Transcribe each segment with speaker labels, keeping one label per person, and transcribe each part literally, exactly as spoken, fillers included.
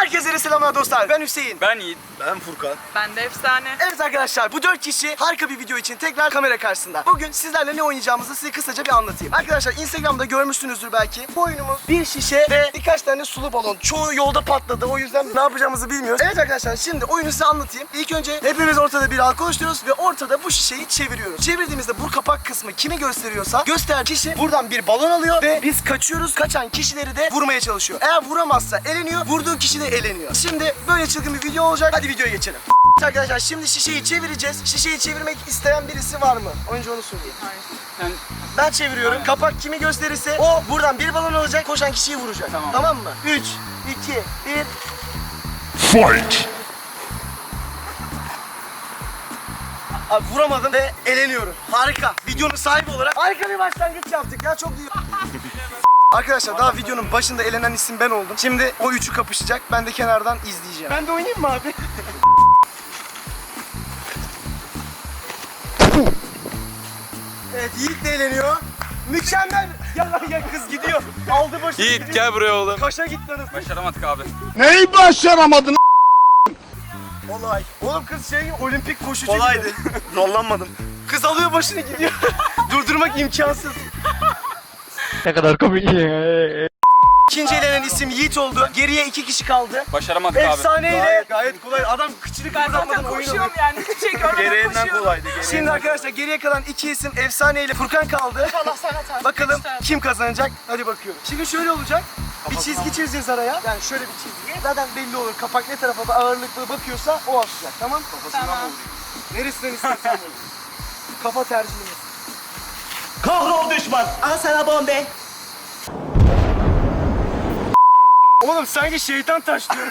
Speaker 1: Herkese selamlar dostlar. Ben Hüseyin.
Speaker 2: Ben Yiğit.
Speaker 3: Ben Furkan.
Speaker 4: Ben de efsane.
Speaker 1: Evet arkadaşlar, bu dört kişi harika bir video için tekrar kamera karşısında. Bugün sizlerle ne oynayacağımızı size kısaca bir anlatayım. Arkadaşlar Instagram'da görmüşsünüzdür belki. Bu oyunumuz bir şişe ve birkaç tane sulu balon. Çoğu yolda patladı, o yüzden ne yapacağımızı bilmiyoruz. Evet arkadaşlar, şimdi oyunu size anlatayım. İlk önce hepimiz ortada bir halka oluşturuyoruz ve ortada bu şişeyi çeviriyoruz. Çevirdiğimizde bu kapak kısmı kimi gösteriyorsa gösteren kişi buradan bir balon alıyor ve biz kaçıyoruz. Kaçan kişileri de vurmaya çalışıyor. Eğer vuramazsa eleniyor, vurduğu kişi de eleniyor. Şimdi böyle çılgın bir video olacak. Hadi videoya geçelim. Arkadaşlar şimdi şişeyi çevireceğiz. Şişeyi çevirmek isteyen birisi var mı? Önce onu söyleyeyim.
Speaker 2: Sen
Speaker 1: Ben çeviriyorum. Kapak kimi gösterirse o buradan bir balon alacak, koşan kişiyi vuracak.
Speaker 2: Tamam.
Speaker 1: Tamam mı? üç, iki, bir.
Speaker 3: Fight!
Speaker 1: Abi vuramadım ve eleniyorum. Harika. Videonun sahibi olarak harika bir başlangıç yaptık ya. Çok iyi. Arkadaşlar daha videonun başında elenen isim ben oldum. Şimdi o üçü kapışacak. Ben de kenardan izleyeceğim. Ben de oynayayım mı abi? Evet, Yiğit de eğleniyor. Mükemmel. Ya, ya kız gidiyor. Aldı başını
Speaker 2: Yiğit
Speaker 1: gidiyor.
Speaker 2: gel buraya oğlum.
Speaker 1: Kaşa gitti anasını.
Speaker 2: Başaramadık abi.
Speaker 3: Neyi başaramadın?
Speaker 1: Olay. Oğlum kız şey olimpik koşucu
Speaker 3: Kolaydı.
Speaker 1: gibi.
Speaker 3: Zorlanmadım.
Speaker 1: Kız alıyor başını gidiyor. Durdurmak imkansız.
Speaker 3: Ne kadar komik.
Speaker 1: İkinci elenen isim Yiğit oldu. Geriye iki kişi kaldı.
Speaker 2: Başaramadık abi.
Speaker 1: Efsaneyle.
Speaker 3: Gayet, gayet kolay. Adam kıçını
Speaker 4: Ben zaten
Speaker 3: kıpırdatmadan oyun
Speaker 4: koşuyorum
Speaker 3: oynuyor.
Speaker 4: yani. Hiçbir şey görmeden
Speaker 3: Gereğinden
Speaker 4: koşuyorum.
Speaker 3: kolaydı. Gereğinden.
Speaker 1: Şimdi arkadaşlar geriye kalan iki isim Efsane ile Furkan kaldı.
Speaker 4: Allah sana tarif.
Speaker 1: Bakalım
Speaker 4: İşte.
Speaker 1: kim kazanacak? Hadi bakıyoruz. Şimdi şöyle olacak. Bir çizgi çizeceğiz araya. Yani şöyle bir çizgi. Zaten belli olur. Kapak ne tarafa da ağırlıklı bakıyorsa o atacak. Tamam?
Speaker 4: Tamam.
Speaker 1: Neresinden istersen vur. Kafa tercihimiz.
Speaker 3: Kahrol düşman.
Speaker 1: Al sana bombe. Oğlum sanki şeytan taşlıyor.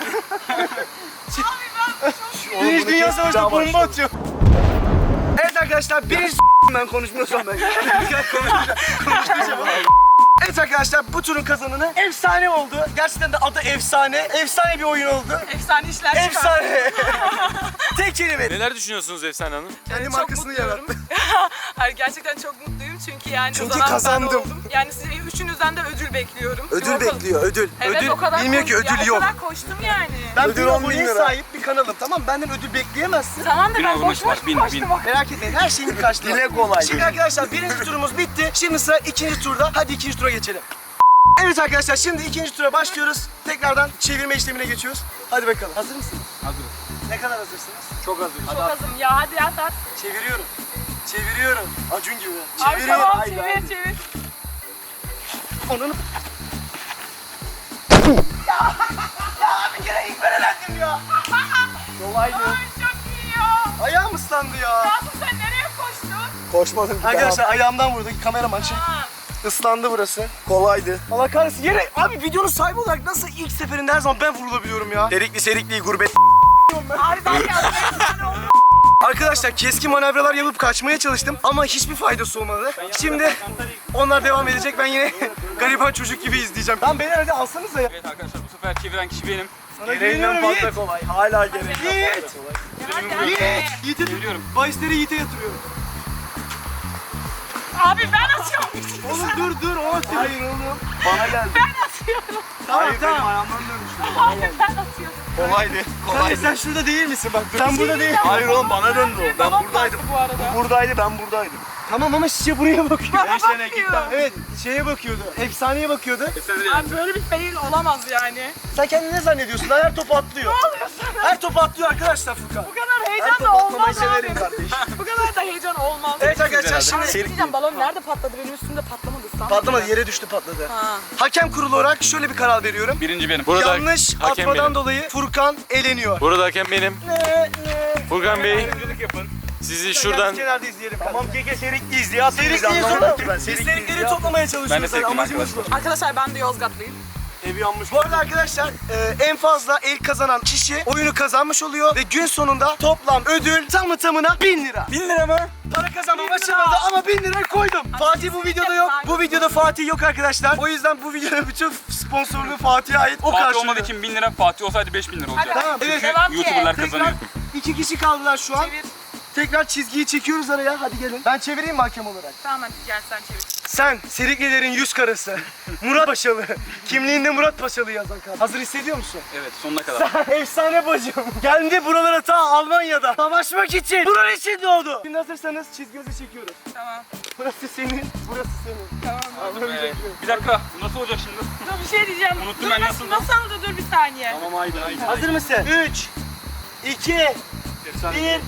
Speaker 1: Birinci Dünya Savaşı'nda bomba atıyor. Evet arkadaşlar birinci ben konuşmuyorsam ben. Konuşmayacağım. Evet arkadaşlar bu turun kazananı Efsane oldu. Gerçekten de adı Efsane. Efsane bir oyun oldu.
Speaker 4: Efsane işler çıkar.
Speaker 1: Efsane. Tek kelime.
Speaker 2: Neler düşünüyorsunuz Efsane Hanım?
Speaker 1: Kendi
Speaker 4: Çok
Speaker 1: markasını
Speaker 4: mutluyum.
Speaker 1: yarattı.
Speaker 4: Hayır gerçekten çok mutluyum çünkü yani
Speaker 1: Çünkü
Speaker 4: kazanan ben
Speaker 1: kazandım.
Speaker 4: oldum. Yani size üçünüzden de ödül bekliyorum.
Speaker 1: Ödül
Speaker 4: Yok,
Speaker 1: bekliyor, ödül.
Speaker 4: Evet
Speaker 1: ödül
Speaker 4: o kadar
Speaker 1: bilmiyor ki
Speaker 4: koş-
Speaker 1: ödül
Speaker 4: ya,
Speaker 1: yok.
Speaker 4: O kadar koştum yani.
Speaker 1: Ben
Speaker 3: Ödül
Speaker 1: bir
Speaker 3: on bin
Speaker 1: aboneye
Speaker 3: lira.
Speaker 1: sahip bir kanalım. Tamam benden ödül bekleyemezsin.
Speaker 4: Tamam da
Speaker 2: Bin
Speaker 4: ben
Speaker 2: abone
Speaker 4: boş boş
Speaker 2: var, bin,
Speaker 4: koştum.
Speaker 2: bin.
Speaker 1: Merak etmeyin her şeyin bir karşılığı.
Speaker 3: Dile kolay.
Speaker 1: Şimdi arkadaşlar birinci turumuz bitti. Şimdi sıra ikinci turda. Hadi ikinci tura geçelim. Evet arkadaşlar şimdi ikinci tura başlıyoruz. Tekrardan çevirme işlemine geçiyoruz. Hadi bakalım. Hazır mısınız?
Speaker 2: Hazırız.
Speaker 1: Ne kadar hazırsınız?
Speaker 2: Çok hazırız.
Speaker 4: Çok azım ya hadi at at.
Speaker 1: Çeviriyorum. Çeviriyorum. Acun gibi.
Speaker 4: Abi
Speaker 1: Çeviriyorum.
Speaker 4: tamam
Speaker 1: Haydi,
Speaker 4: çevir
Speaker 1: haydi.
Speaker 4: çevir.
Speaker 1: Ananı... ya, ya bir kere ilk ben elendim ya. Kolaydı.
Speaker 4: Ay çok iyi ya.
Speaker 1: Ayağım ıslandı ya.
Speaker 4: Kasım sen nereye koştun?
Speaker 3: Koşmadım.
Speaker 1: Arkadaşlar ayağımdan vurdu. Kameraman şey.
Speaker 4: Ha.
Speaker 1: Islandı burası.
Speaker 3: Kolaydı.
Speaker 1: Allah kahretsin. Yere abi videonun sahibi olarak nasıl ilk seferinde her zaman ben vurulabiliyorum ya.
Speaker 3: Serikli serikli gurbet.
Speaker 4: Abi ben geldim efsane oldum.
Speaker 1: Arkadaşlar keskin manevralar yapıp kaçmaya çalıştım ama hiçbir faydası olmadı. Şimdi onlar devam edecek. Ben yine gariban çocuk gibi izleyeceğim. Lan beni hadi alsanıza ya.
Speaker 2: Evet arkadaşlar bu sefer çeviren kişi benim.
Speaker 1: Sana
Speaker 3: Gereğinden
Speaker 1: güveniyorum
Speaker 3: fazla
Speaker 1: Yiğit.
Speaker 3: kolay. Hala gereğinden
Speaker 1: Yiğit.
Speaker 3: fazla kolay.
Speaker 4: Hadi hadi.
Speaker 1: Yiğit. Yiğit'e
Speaker 2: Çeviriyorum.
Speaker 1: bahisleri Yiğit'e yatırıyorum.
Speaker 4: Abi ben atıyorum.
Speaker 1: Oğlum dur dur o atıyor. Hayır oğlum.
Speaker 3: Bana geldi.
Speaker 4: Ben atıyorum.
Speaker 1: Tamam
Speaker 3: Hayır benim
Speaker 1: tamam.
Speaker 3: ayağımdan dönmüştü.
Speaker 4: Abi ben atıyorum.
Speaker 3: Kolaydı.
Speaker 1: Hayır
Speaker 3: Kolaydı.
Speaker 1: sen şurada değil misin bak. Sen burada değil.
Speaker 3: Hayır oğlum bana döndü o. Ben
Speaker 4: Babam
Speaker 3: buradaydım.
Speaker 4: bastı bu arada.
Speaker 3: Buradaydı ben buradaydım.
Speaker 1: Tamam ama şişe buraya bakıyor.
Speaker 4: Bana
Speaker 3: Ben sene
Speaker 4: bakmıyor.
Speaker 3: gittim.
Speaker 1: Evet şeye bakıyordu. Efsaneye bakıyordu.
Speaker 2: Efsane değil.
Speaker 4: Abi böyle bir fail olamaz yani.
Speaker 1: Sen kendini ne zannediyorsun? Lan her topu atlıyor.
Speaker 4: Ne oluyor sana?
Speaker 1: Her topu atlıyor arkadaşlar Furkan.
Speaker 4: Bu kadar heyecan
Speaker 1: Her
Speaker 4: da
Speaker 1: topu atlamayı
Speaker 4: olmaz
Speaker 1: severim
Speaker 4: abi.
Speaker 1: kardeşim.
Speaker 4: Bu kadar da heyecan olmaz.
Speaker 1: Evet arkadaşlar
Speaker 2: herhalde.
Speaker 1: şimdi
Speaker 4: Abi, diyeceğim, balon nerede patladı? Benim üstümde patlamadı. Sanki.
Speaker 1: patlamadı yere düştü patladı.
Speaker 4: Ha.
Speaker 1: Hakem kurulu olarak şöyle bir karar veriyorum.
Speaker 2: Birinci benim. Burada
Speaker 1: Yanlış
Speaker 2: hakem
Speaker 1: atmadan
Speaker 2: benim.
Speaker 1: dolayı Furkan eleniyor.
Speaker 2: Burada hakem benim.
Speaker 1: Ne ne.
Speaker 2: Furkan Bey
Speaker 3: yapın.
Speaker 2: sizi şuradan
Speaker 1: Kenarda izleyelim.
Speaker 3: Tamam keke serikliyiz diye atıyoruz.
Speaker 1: Serikliyiz
Speaker 3: Anlamadım
Speaker 1: oğlum.
Speaker 3: ki ben.
Speaker 1: Biz
Speaker 3: Serikliyiz
Speaker 1: serikleri
Speaker 3: ya.
Speaker 1: toplamaya
Speaker 2: Ben de
Speaker 1: çalışıyoruz.
Speaker 2: sevdim
Speaker 1: Amacımız bu.
Speaker 2: arkadaşlar.
Speaker 4: Arkadaşlar ben de Yozgatlıyım.
Speaker 3: Evi yanmış.
Speaker 1: Bu arada arkadaşlar e, en fazla el kazanan kişi oyunu kazanmış oluyor ve gün sonunda toplam ödül tamı tamına bin lira.
Speaker 2: bin lira mı?
Speaker 1: Para kazanmam açılmadı ama bin lira koydum. Fatih bu videoda yok. Bu videoda Fatih yok arkadaşlar. O yüzden bu videonun bütün sponsorluğu Fatih'e ait. O
Speaker 2: Fatih
Speaker 1: karşılıyor.
Speaker 2: olmadığı için bin lira, Fatih olsaydı beş bin lira olacaktı.
Speaker 4: Hadi.
Speaker 1: Tamam evet.
Speaker 4: Devam ki.
Speaker 2: YouTuber'lar
Speaker 1: Tekrar
Speaker 2: kazanıyor.
Speaker 1: iki kişi kaldılar şu an.
Speaker 4: Çevir.
Speaker 1: Tekrar çizgiyi çekiyoruz araya. Hadi gelin. Ben çevireyim mi hakem olarak?
Speaker 4: Tamam hadi gel sen çevir.
Speaker 1: Sen Seriklilerin yüz karası. Murat Paşalı. Kimliğinde Murat Paşalı yazan kadın. Hazır hissediyor musun?
Speaker 2: Evet sonuna kadar.
Speaker 1: Sen efsane bacım. Geldi buralara ta Almanya'da. Savaşmak için. Bunun için doğdu. Şimdi hazırsanız çizgimizi çekiyoruz.
Speaker 4: Tamam.
Speaker 1: Burası senin, burası senin.
Speaker 4: Tamam.
Speaker 1: Anlamayacak
Speaker 2: Ee,
Speaker 1: mıyım?
Speaker 2: bir dakika bu nasıl olacak şimdi?
Speaker 4: Dur bir şey diyeceğim.
Speaker 2: Unuttum
Speaker 4: dur,
Speaker 2: ben
Speaker 4: nasıl,
Speaker 2: nasıl-
Speaker 4: nasıl oldu? Dur bir saniye.
Speaker 3: Tamam haydi haydi.
Speaker 1: Hazır mısın? üç, iki, bir.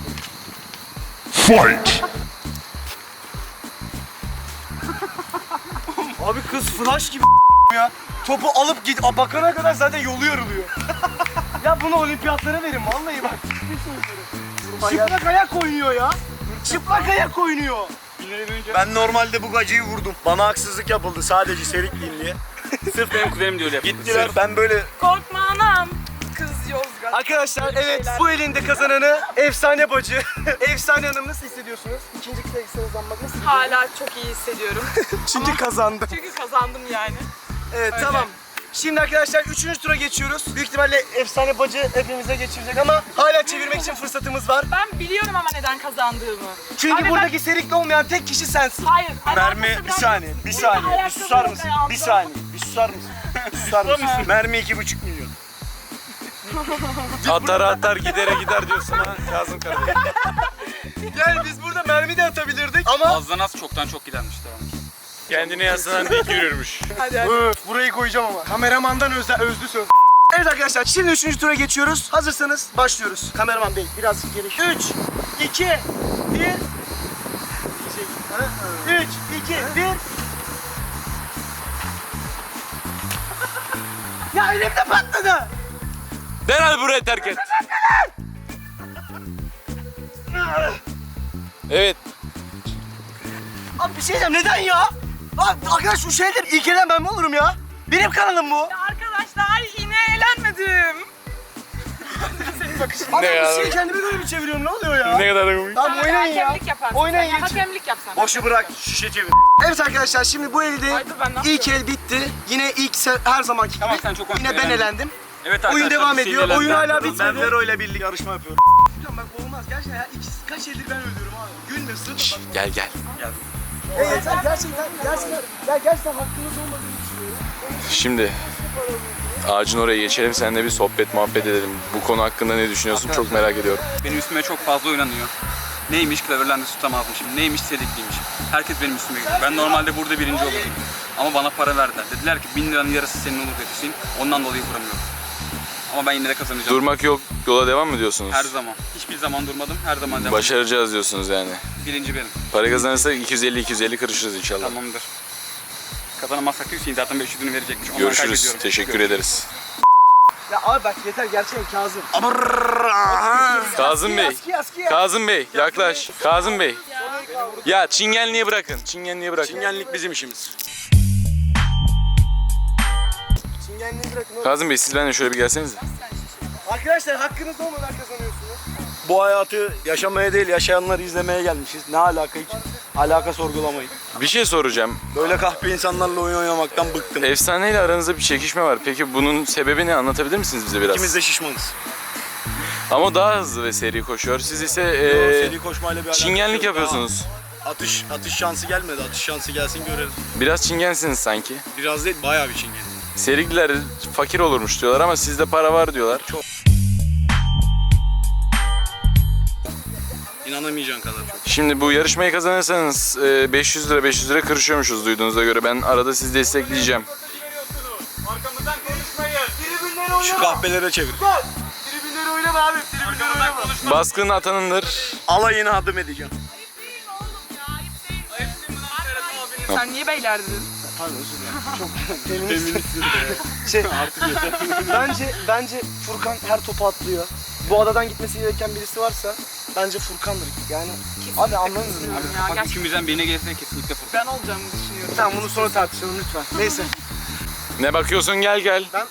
Speaker 1: Abi kız flash gibi ya. Topu alıp git. A, bakana kadar zaten yolu yoruluyor. Ya bunu olimpiyatlara verin vallahi bak. Çıplak ayak oynuyor ya. Çıplak ayak oynuyor.
Speaker 3: Ben normalde bu gacıyı vurdum. Bana haksızlık yapıldı sadece Serikliyim diye.
Speaker 2: Sırf benim kuzenim de öyle yapıyor.
Speaker 3: Gittiler ben böyle
Speaker 4: Korkma anam. Kız Yozgat.
Speaker 1: Arkadaşlar
Speaker 4: Böyle
Speaker 1: evet
Speaker 4: şeyler.
Speaker 1: bu elinde kazananı efsane bacı. Efsane hanım nasıl hissediyorsunuz? İkinci kısa hızlanmak nasıl?
Speaker 4: Hala çok iyi hissediyorum.
Speaker 1: Çünkü kazandı.
Speaker 4: Çünkü kazandım yani.
Speaker 1: Evet
Speaker 4: Öyle.
Speaker 1: tamam. Şimdi arkadaşlar üçüncü tura geçiyoruz. Büyük ihtimalle efsane bacı hepimize geçirecek ama hala çevirmek için fırsatımız var.
Speaker 4: Ben biliyorum ama neden kazandığımı.
Speaker 1: Çünkü
Speaker 4: Abi ben-
Speaker 1: buradaki serikli olmayan tek kişi sensin.
Speaker 4: Hayır.
Speaker 3: mermi
Speaker 4: alakası
Speaker 3: bir
Speaker 4: bırak-
Speaker 3: saniye bir
Speaker 4: Burada
Speaker 3: saniye bir
Speaker 4: ayakkabı
Speaker 3: susar
Speaker 4: yok
Speaker 3: mısın?
Speaker 4: ayağımda.
Speaker 3: Bir saniye bir susar mısın? Bir susar mısın? Mermi iki buçuk milyon.
Speaker 2: Atar atar gidere gider diyorsun ha Kazım kardeşim.
Speaker 1: Yani biz burada mermi de atabilirdik ama
Speaker 2: Azdan az çoktan çok gidermiş tamam. Kendine yaslanan dik yürürmüş.
Speaker 4: Hadi hadi.
Speaker 1: öf, burayı koyacağım ama. Kameramandan özle, özlü söz. Evet arkadaşlar şimdi üçüncü tura geçiyoruz. Hazırsanız başlıyoruz. Kameraman bey biraz geri. üç, iki, bir. üç, iki, bir. Ya elimde patladı.
Speaker 2: Derhal burayı terk et. Evet.
Speaker 1: Abi bir şey diyeceğim neden ya? Abi arkadaş şu şeydir ilk elen ben mi olurum ya? Benim kanalım bu.
Speaker 4: Ya arkadaşlar yine eğlenmedim.
Speaker 1: Abi
Speaker 2: Ne
Speaker 1: bir
Speaker 2: ya?
Speaker 1: şey kendime göre mi çeviriyorum ne oluyor ya?
Speaker 2: Ne kadar komik.
Speaker 1: Tamam oynayın ya.
Speaker 4: Hakemlik yaparsın.
Speaker 1: Oynayın
Speaker 4: sen. Ya,
Speaker 1: geçin.
Speaker 4: Hakemlik yapsan.
Speaker 3: Boşu bırak şişe çevir.
Speaker 1: Evet arkadaşlar şimdi bu elde
Speaker 4: Ay dur, ben ne
Speaker 1: ilk el bitti. Yine ilk se- her zamanki gibi.
Speaker 2: Tamam, sen çok
Speaker 1: Yine ben
Speaker 2: eğlendin.
Speaker 1: elendim.
Speaker 2: Evet
Speaker 1: Oyun
Speaker 2: arkadaşlar,
Speaker 1: devam
Speaker 2: bir
Speaker 1: ediyor.
Speaker 2: şeyler
Speaker 1: Oyun
Speaker 2: ben-
Speaker 1: hala
Speaker 3: Ben
Speaker 1: bitmedi.
Speaker 3: Vero ile birlikte yarışma yapıyorum.
Speaker 1: Bak olmaz gerçekten ya. İki, kaç eldir ben öldürüyorum abi. Gülme sırf bak.
Speaker 2: Gel gel.
Speaker 1: Evet sen gerçekten gerçekten ya gerçekten hakkınız olmadığını düşünüyorum.
Speaker 5: Şimdi ağacın oraya geçelim, seninle bir sohbet muhabbet edelim. Bu konu hakkında ne düşünüyorsun çok merak ediyorum.
Speaker 2: Benim üstüme çok fazla oynanıyor. Neymiş Cleverland'ı tutamazmışım, neymiş Sedikliymişim. Herkes benim üstüme geliyor. Ben normalde burada birinci olurdum. Ama bana para verdiler. Dediler ki bin liranın yarısı senin olur dedi Hüseyin. Ondan dolayı vuramıyorum. Ama ben yine de kazanacağım.
Speaker 5: Durmak yok, yola devam mı diyorsunuz?
Speaker 2: Her zaman. Hiçbir zaman durmadım. Her zaman devam.
Speaker 5: Başaracağız diyorsunuz yani.
Speaker 2: Birinci benim.
Speaker 5: Para kazanırsak iki yüz elli iki yüz elli kırışırız inşallah.
Speaker 2: Tamamdır. Kazanamazsak da Hüseyin zaten beş yüzünü verecekmiş. Ondan
Speaker 5: Görüşürüz,
Speaker 2: kaybediyorum.
Speaker 5: teşekkür ederiz.
Speaker 1: Ya abi bak yeter gerçekten Kazım.
Speaker 5: Kazım Bey,
Speaker 1: Aski aski ya.
Speaker 5: Kazım Bey yaklaş. Kazım Bey. Ya çingenliği bırakın, çingenliği bırakın.
Speaker 3: Çingenlik bizim işimiz.
Speaker 1: Çingenliği bırakın oğlum.
Speaker 5: Kazım Bey siz benimle şöyle bir gelsenize.
Speaker 1: Arkadaşlar hakkınız olmadan kazanıyorsunuz.
Speaker 3: Bu hayatı yaşamaya değil yaşayanları izlemeye gelmişiz. Ne alaka hiç? Alaka sorgulamayın.
Speaker 5: Bir şey soracağım.
Speaker 3: Böyle kahpe insanlarla oyun oynamaktan bıktım.
Speaker 5: Efsane ile aranızda bir çekişme var. Peki bunun sebebi ne? Anlatabilir misiniz bize biraz?
Speaker 3: İkimiz de şişmanız.
Speaker 5: Ama o daha hızlı ve seri koşuyor. Siz ise
Speaker 3: Yo,
Speaker 5: eee,
Speaker 3: seri koşmayla bir alakası
Speaker 5: çingenlik
Speaker 3: yok.
Speaker 5: yapıyorsunuz.
Speaker 3: Daha Atış atış şansı gelmedi. Atış şansı gelsin görelim.
Speaker 5: Biraz çingensiniz sanki.
Speaker 3: Biraz değil bayağı bir çingen.
Speaker 5: Serikliler fakir olurmuş diyorlar ama sizde para var diyorlar.
Speaker 3: İnanamayacağın kadar çok.
Speaker 5: Şimdi bu yarışmayı kazanırsanız eee, beş yüz lira beş yüz lira kırışıyormuşuz duyduğunuza göre. Ben arada sizi destekleyeceğim.
Speaker 2: Arkamızdan konuşmayın.
Speaker 1: Tribünleri oynama.
Speaker 3: Şu kahpelere çevir.
Speaker 1: Bak. Tribünleri oynama abi. Tribünleri oynama.
Speaker 5: Baskın atanındır.
Speaker 3: Alayını adım edeceğim.
Speaker 4: Sen niye beyler dedin?
Speaker 1: Pardon özür dilerim. Çok feminist. Şey artık yeter. Bence bence Furkan her topu atlıyor. Bu adadan gitmesi gereken birisi varsa bence Furkan'dır. Yani abi anlamıyorum.
Speaker 4: Ya,
Speaker 2: Bak
Speaker 4: gerçekten
Speaker 2: üçümüzden birine gelirse kesinlikle Furkan.
Speaker 4: ben olacağımı düşünüyorum.
Speaker 1: Tamam bunu sonra tartışalım lütfen. Neyse.
Speaker 5: Ne bakıyorsun gel gel.
Speaker 1: Ben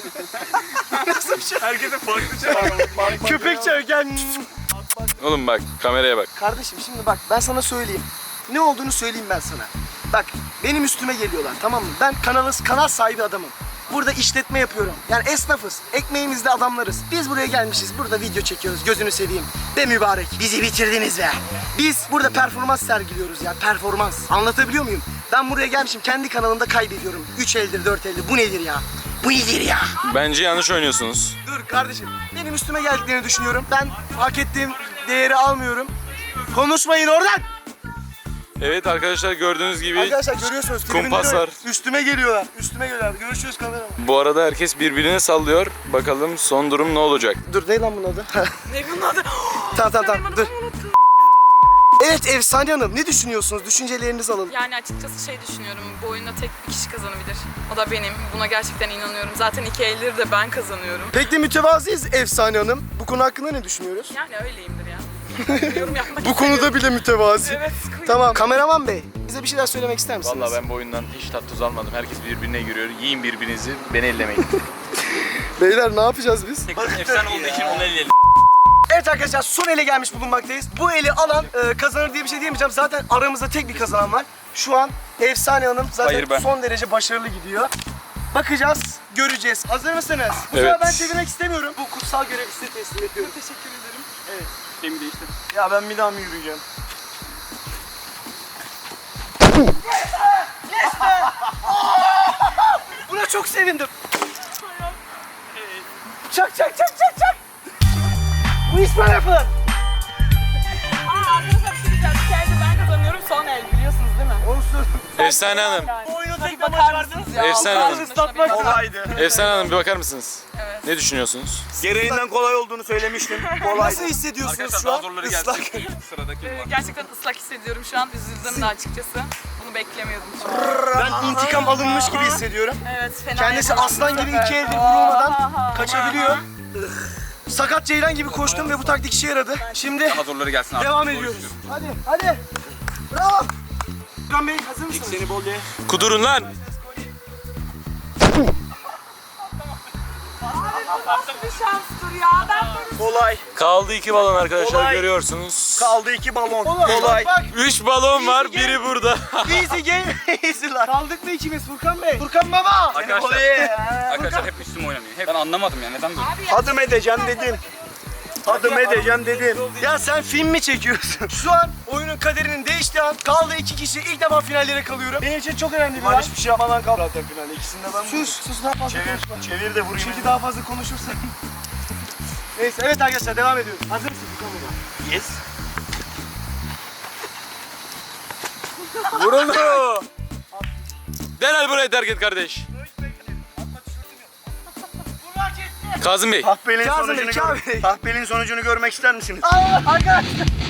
Speaker 2: Herkese farklı şey.
Speaker 1: köpek çağır gel.
Speaker 5: Oğlum bak kameraya bak.
Speaker 1: Kardeşim şimdi bak ben sana söyleyeyim. Ne olduğunu söyleyeyim ben sana. Bak benim üstüme geliyorlar tamam mı? Ben kanalı, kanal sahibi adamım. burada işletme yapıyorum. Yani esnafız. Ekmeğimizde adamlarız. Biz buraya gelmişiz. Burada video çekiyoruz. Gözünü seveyim. Be mübarek. Bizi bitirdiniz be. Biz burada performans sergiliyoruz ya. Performans. Anlatabiliyor muyum? Ben buraya gelmişim. Kendi kanalımda kaybediyorum. üç eldir, dört eldir. Bu nedir ya? Bu nedir ya?
Speaker 5: Bence yanlış oynuyorsunuz.
Speaker 1: Dur kardeşim. Benim üstüme geldiklerini düşünüyorum. Ben hak ettiğim değeri almıyorum. Konuşmayın oradan.
Speaker 5: Evet arkadaşlar, gördüğünüz gibi
Speaker 1: Arkadaşlar görüyorsunuz. tribünler
Speaker 5: kumpaslar.
Speaker 1: öyle. Üstüme geliyorlar. Üstüme geliyorlar. Görüşürüz kameraman.
Speaker 5: Bu arada herkes birbirine sallıyor. Bakalım son durum ne olacak?
Speaker 1: Dur ne lan bunun adı?
Speaker 4: Ne bunun adı?
Speaker 1: tamam tamam tamam.
Speaker 4: Benim
Speaker 1: Dur.
Speaker 4: adımı unuttum.
Speaker 1: Evet Efsane Hanım. Ne düşünüyorsunuz? Düşüncelerinizi alalım.
Speaker 4: Yani açıkçası şey düşünüyorum. Bu oyunda tek bir kişi kazanabilir. O da benim. Buna gerçekten inanıyorum. Zaten iki elleri de ben kazanıyorum.
Speaker 1: Pek de mütevaziyiz Efsane Hanım. Bu konu hakkında ne düşünüyoruz?
Speaker 4: Yani öyleyimdir ya. Yorum yapmak
Speaker 1: Bu konuda bile mütevazi.
Speaker 4: Evet.
Speaker 1: Tamam. Kameraman Bey, bize bir şeyler söylemek ister misiniz?
Speaker 5: Vallahi ben bu oyundan hiç tat tuz almadım. Herkes birbirine giriyor. Yiyin birbirinizi, beni ellemeyin.
Speaker 1: Beyler ne yapacağız biz?
Speaker 2: Efsane olduğu için onu elleyelim.
Speaker 1: Evet arkadaşlar son ele gelmiş bulunmaktayız. Bu eli alan e, kazanır diye bir şey diyemeyeceğim. Zaten aramızda tek bir kazanan var. Şu an Efsane Hanım zaten
Speaker 2: Hayır, ben.
Speaker 1: son derece başarılı gidiyor. Bakacağız, göreceğiz. Hazır mısınız? Bu
Speaker 5: Evet.
Speaker 1: sefer ben çevirmek istemiyorum. Bu kutsal görevi size teslim ediyorum.
Speaker 4: Teşekkür ederim.
Speaker 2: Şeyimi değiştir.
Speaker 3: Ya ben bir daha mı yürüyeceğim?
Speaker 1: Buna çok sevindim. Çak çak çak çak çak. Bu iş böyle yapılır.
Speaker 4: Aa arkadaşlar bir şey diyeceğim. Bir kere de ben kazanıyorum. Son el biliyorsunuz değil mi?
Speaker 1: Olsun.
Speaker 5: Efsane Hanım.
Speaker 1: Bu oyunu
Speaker 4: Tabii
Speaker 1: tek
Speaker 4: bakar
Speaker 1: başardınız
Speaker 4: mısınız
Speaker 1: ya.
Speaker 4: ya?
Speaker 5: Efsane
Speaker 1: Kalkın
Speaker 5: Hanım.
Speaker 1: ıslatmak
Speaker 3: Kolaydı.
Speaker 5: Efsane Hanım bir bakar mısınız?
Speaker 4: Evet.
Speaker 5: Ne düşünüyorsunuz?
Speaker 3: Gereğinden kolay olduğunu söylemiştim.
Speaker 1: Nasıl hissediyorsunuz
Speaker 2: Arkadaşlar
Speaker 1: şu
Speaker 2: daha
Speaker 1: an?
Speaker 2: zorları
Speaker 1: Islak.
Speaker 2: gelsin. Sıradaki
Speaker 4: Ee,
Speaker 2: var.
Speaker 4: gerçekten ıslak hissediyorum şu an. Üzüldüm de açıkçası. Bunu beklemiyordum çünkü.
Speaker 1: Ben intikam alınmış gibi hissediyorum.
Speaker 4: Evet fena.
Speaker 1: Kendisi
Speaker 4: yapamadım
Speaker 1: aslan
Speaker 4: bu
Speaker 1: gibi
Speaker 4: sefer.
Speaker 1: iki elde vurulmadan
Speaker 4: Aha.
Speaker 1: kaçabiliyor. Sakat ceylan gibi koştum ve bu taktik işe yaradı. Şimdi
Speaker 2: Daha zorları gelsin abi.
Speaker 1: devam
Speaker 2: Doğru
Speaker 1: ediyoruz.
Speaker 2: düşünüyorum.
Speaker 1: Hadi hadi. Bravo. Furkan Bey hazır mısınız?
Speaker 3: Seni bol ye.
Speaker 5: Kudurun lan!
Speaker 4: Nasıl bir şanstır ya? Ben böyle
Speaker 3: Kolay.
Speaker 5: Kaldı iki balon arkadaşlar,
Speaker 3: Kolay.
Speaker 5: görüyorsunuz.
Speaker 3: Kaldı iki balon.
Speaker 1: Oğlum,
Speaker 3: Kolay.
Speaker 1: Bak
Speaker 5: Üç balon var, biri burada.
Speaker 1: bak. Easy game easy lan. Kaldık mı ikimiz Furkan Bey? Furkan baba.
Speaker 2: Arkadaşlar,
Speaker 3: Kolay.
Speaker 2: arkadaşlar hep üstüme oynanıyor. Hep ben anlamadım ya neden böyle.
Speaker 4: abi ya.
Speaker 3: Adım edeceğim dedim. Adım edeceğim dedim.
Speaker 1: Ya sen film mi çekiyorsun? Şu an oyunun kaderinin değiştiği an kaldı iki kişi. İlk defa finallere kalıyorum. Benim için çok önemli bir
Speaker 3: Ben
Speaker 1: an.
Speaker 3: hiçbir şey yapmadan kal zaten finalde. İkisinde ben
Speaker 1: Sus sus daha fazla
Speaker 3: Çevir,
Speaker 1: konuşma.
Speaker 3: çevir de vurayım.
Speaker 1: Çünkü daha fazla konuşursan. Neyse evet arkadaşlar devam ediyoruz. Hazır mısın Furkan baba?
Speaker 3: Yes.
Speaker 5: Vuruldu. Derhal burayı terk et kardeş. Kazım Bey.
Speaker 3: Tahbelin
Speaker 1: Kazım
Speaker 3: sonucunu
Speaker 1: Bey,
Speaker 3: gör.
Speaker 1: Kazım Bey.
Speaker 3: Tahbelin sonucunu görmek ister misiniz?
Speaker 1: Aa, arkadaşlar.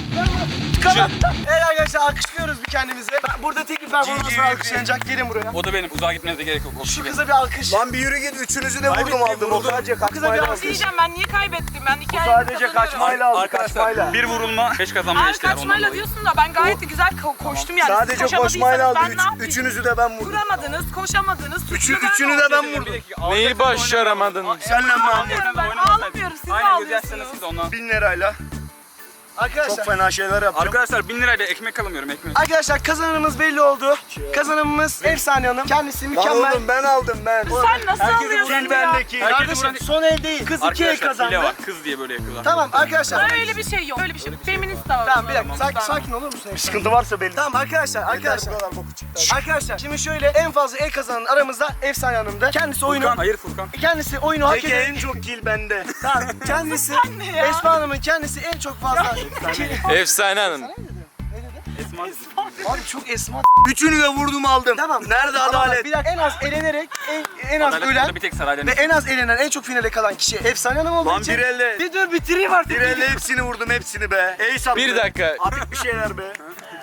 Speaker 1: Çıkalım. Evet arkadaşlar alkışlıyoruz bir kendimize. Ben, burada tek bir performans
Speaker 3: Cici
Speaker 1: var
Speaker 3: bir-
Speaker 1: alkışlanacak. Gelin buraya.
Speaker 2: O da benim. Uzağa gitmenize gerek yok. O kişi
Speaker 1: Şu
Speaker 2: benim.
Speaker 1: kıza bir alkış.
Speaker 3: Lan bir yürü git. Üçünüzü de vurdum aldım. O sadece
Speaker 1: Kıza bir
Speaker 3: kaçmayla
Speaker 1: alkış.
Speaker 3: aldım.
Speaker 4: Diyeceğim ben niye kaybettim? Ben iki eldir
Speaker 3: Sadece
Speaker 4: kazanıyorum.
Speaker 3: kaçmayla aldım.
Speaker 2: Arkadaşlar
Speaker 3: Kaçmayla.
Speaker 2: bir vurulma, beş kazanma
Speaker 4: Abi
Speaker 2: eşdeğer ondan
Speaker 4: kaçmayla
Speaker 2: dolayı.
Speaker 4: diyorsun da ben gayet de güzel ko- koştum yani. Siz
Speaker 3: Sadece
Speaker 4: koşamadıysanız
Speaker 3: koşmayla aldı.
Speaker 4: ben ne
Speaker 3: Üç,
Speaker 4: yapayım?
Speaker 3: üçünüzü de ben vurdum.
Speaker 4: Vuramadınız, koşamadınız.
Speaker 3: Üçü,
Speaker 4: suçlu ben
Speaker 3: üçünü de
Speaker 4: oldum.
Speaker 3: ben
Speaker 2: Bir
Speaker 3: vurdum.
Speaker 2: dakika,
Speaker 5: Neyi
Speaker 2: alacaksınız,
Speaker 5: başaramadın?
Speaker 2: oynamadınız.
Speaker 3: Senle ben
Speaker 4: Ağlamıyorum ben, ağlamıyorum. Siz
Speaker 2: Aynen
Speaker 4: ağlıyorsunuz.
Speaker 2: gözyaşlarınız siz de ondan.
Speaker 3: Bin lirayla
Speaker 1: Arkadaşlar.
Speaker 3: çok fena şeyler yapacağım.
Speaker 2: Arkadaşlar bin lirayla ekmek alamıyorum ekmek.
Speaker 1: Arkadaşlar kazananımız belli oldu. Kazananımız Efsane Hanım. Kendisi
Speaker 3: Lan
Speaker 1: mükemmel.
Speaker 3: oğlum ben aldım ben.
Speaker 4: Sen nasıl
Speaker 2: Herkesi
Speaker 4: alıyorsun
Speaker 3: Fil
Speaker 4: ya?
Speaker 3: bendeki.
Speaker 1: Kardeşim
Speaker 2: Herkesi
Speaker 1: son el değil. Kız iki el
Speaker 2: Arkadaşlar
Speaker 1: kazandı.
Speaker 2: hile var. Kız diye böyle yapıyorlar.
Speaker 1: Tamam arkadaşlar.
Speaker 4: Öyle bir şey yok. Öyle bir şey yok. Feminist de var.
Speaker 1: Tamam bir dakika sakin, sakin olur musun?
Speaker 3: Sıkıntı varsa belli.
Speaker 1: Tamam arkadaşlar arkadaşlar.
Speaker 3: Bu kadar boku çıktı.
Speaker 1: Arkadaşlar şimdi şöyle en fazla el kazanan aramızda Efsane Hanım'da. Kendisi oyunu
Speaker 2: Furkan, hayır Furkan.
Speaker 1: kendisi oyunu hak
Speaker 3: Peki
Speaker 1: eden.
Speaker 3: en çok kill bende.
Speaker 1: Tamam kendisi
Speaker 4: ne ya?
Speaker 1: Esma Hanım'ın kendisi en çok fazla.
Speaker 5: Efsane Hanım.
Speaker 2: Esma.
Speaker 1: Abi çok Esma.
Speaker 3: Üçünü de vurdum aldım.
Speaker 1: Tamam.
Speaker 3: Nerede
Speaker 1: Ama
Speaker 3: adalet?
Speaker 1: Bir dakika en az elenerek en, en az
Speaker 2: Adalet
Speaker 1: ölen
Speaker 2: burada bir tek saraydan.
Speaker 1: ve en az elenen en çok finale kalan kişi Efsane Hanım olduğu
Speaker 3: Lan
Speaker 1: için.
Speaker 3: bir elle.
Speaker 1: Bir dur bitireyim artık.
Speaker 3: Bir elle hepsini vurdum hepsini be. Ey sattı.
Speaker 5: Bir dakika.
Speaker 3: Artık bir şeyler be.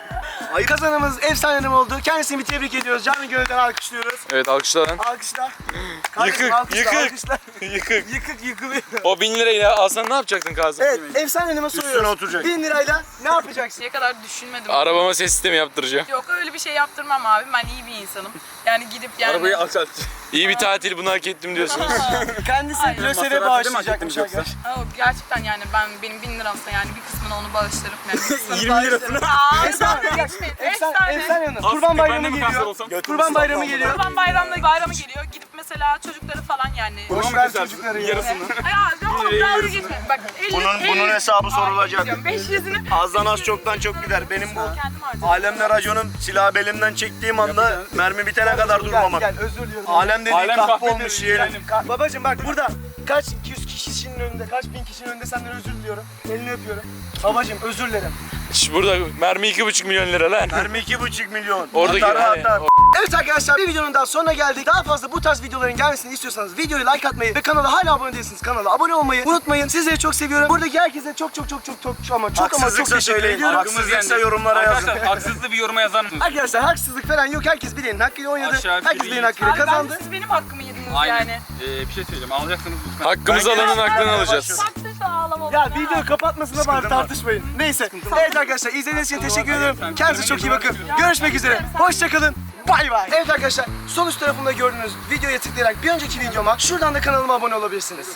Speaker 1: Kazanımız Efsane Hanım oldu. Kendisini bir tebrik ediyoruz. Canı gönülden alkışlıyoruz.
Speaker 5: Evet alkışlar.
Speaker 1: Alkışlar. Kardeşim,
Speaker 5: Yıkık,
Speaker 1: alkışlar,
Speaker 5: yıkık.
Speaker 1: alkışlar.
Speaker 5: Yıkık.
Speaker 1: Yıkık yıkılıyor.
Speaker 5: O bin lirayı ya alsan ne yapacaktın Kazım?
Speaker 1: Evet, Efsane Hanım'a soruyoruz.
Speaker 3: Üstüne oturacak.
Speaker 1: Bin lirayla ne yapacaksın?
Speaker 4: Şimdiye kadar düşünmedim.
Speaker 5: Arabama ses sistemi yaptıracağım.
Speaker 4: Yok öyle bir şey yaptırmam abi. Ben iyi bir insanım. Yani gidip yani.
Speaker 2: Arabayı alçalt.
Speaker 5: İyi bir tatil, bunu hak ettim diyorsunuz.
Speaker 1: Kendisi
Speaker 4: Aynen.
Speaker 1: LÖSEV'e
Speaker 2: Masrafı
Speaker 1: bağışlayacakmış
Speaker 2: değil mi yoksa?
Speaker 1: arkadaşlar.
Speaker 4: Aa, gerçekten yani ben benim bin liramsa yani bir kısmını onu bağışlarım. Yani bir kısmını
Speaker 2: yirmi lirasını.
Speaker 4: Aa,
Speaker 1: Efsane,
Speaker 4: dalga
Speaker 1: bir dakika.
Speaker 4: geçmeyin. Beş
Speaker 1: Efsane,
Speaker 4: tane.
Speaker 1: Efsane Hanım.
Speaker 2: Al,
Speaker 1: Kurban
Speaker 2: ben de
Speaker 1: bayramı
Speaker 2: mi kanser
Speaker 1: geliyor.
Speaker 2: olsam?
Speaker 1: Kurban bayramı geliyor.
Speaker 4: Kurban bayramı, bayramı geliyor. Gidip mesela çocukları falan yani.
Speaker 1: Boş
Speaker 2: Bunu mu
Speaker 1: ver
Speaker 2: kesersin?
Speaker 1: çocukları ya.
Speaker 2: Yarısını.
Speaker 4: Ya tamam dalga geçme. Bak elli,
Speaker 3: Bunun-
Speaker 4: elli-
Speaker 3: bunun hesabı
Speaker 4: Ay,
Speaker 3: sorulacak.
Speaker 4: diyorum, beş yüzünü.
Speaker 3: Azdan az çoktan çok gider. Benim bu
Speaker 4: Kendim harcadım.
Speaker 3: alemle raconum silahı belimden çektiğim anda mermi bitene kadar
Speaker 1: Gel,
Speaker 3: durmamak.
Speaker 1: gel özür diliyorum.
Speaker 3: Alem dediği
Speaker 2: Alem
Speaker 3: kahpe
Speaker 2: kahpedir
Speaker 3: olmuş
Speaker 2: yani.
Speaker 3: yeğenim.
Speaker 1: Ka- Babacım bak burada kaç iki yüz kişinin önünde, kaç bin kişinin önünde senden özür diliyorum. Elini öpüyorum. Babacım özür dilerim.
Speaker 5: Şş, burada mermi iki buçuk milyon lira lan.
Speaker 3: Mermi iki buçuk milyon.
Speaker 5: Oradaki
Speaker 3: Atar,
Speaker 5: hani,
Speaker 3: atar.
Speaker 1: Evet arkadaşlar bir videonun daha sonuna geldik. Daha fazla bu tarz videoların gelmesini istiyorsanız videoyu like atmayı ve kanala hala abone değilsiniz kanala abone olmayı unutmayın. Sizleri çok seviyorum. Buradaki herkese çok çok çok çok çok ama çok ama çok
Speaker 3: Haksızlıksa
Speaker 1: teşekkür
Speaker 3: söyleyin.
Speaker 1: ediyorum.
Speaker 3: Haksızlıksa yorumlara yazın.
Speaker 2: Arkadaşlar haksızlığı bir yoruma yazar mısınız?
Speaker 1: Arkadaşlar haksızlık falan yok. Herkes bileğinin hakkıyla oynadı.
Speaker 2: Aşağı
Speaker 1: Herkes
Speaker 2: biri-
Speaker 1: bileğinin hakkıyla
Speaker 4: Abi bence
Speaker 1: kazandı.
Speaker 4: siz benim hakkımı yediniz
Speaker 2: Aynen.
Speaker 4: yani.
Speaker 2: Ee, bir şey söyleyeceğim. Alacaksınız lütfen.
Speaker 5: Hakkımızı
Speaker 3: Ben-
Speaker 5: alanın aklını alacağız.
Speaker 4: Taktıysa ağlama.
Speaker 1: Ya video kapatmasına bari
Speaker 3: Sıkıntı var.
Speaker 1: tartışmayın. Neyse. Evet arkadaşlar izlediğiniz için teşekkür ederim.
Speaker 2: Sen-
Speaker 1: Kendinize çok iyi bakın. Görüşmek üzere. Hoşçakalın. Bay bay. Evet arkadaşlar sol üst tarafında gördüğünüz videoya tıklayarak bir önceki videoma şuradan da kanalıma abone olabilirsiniz.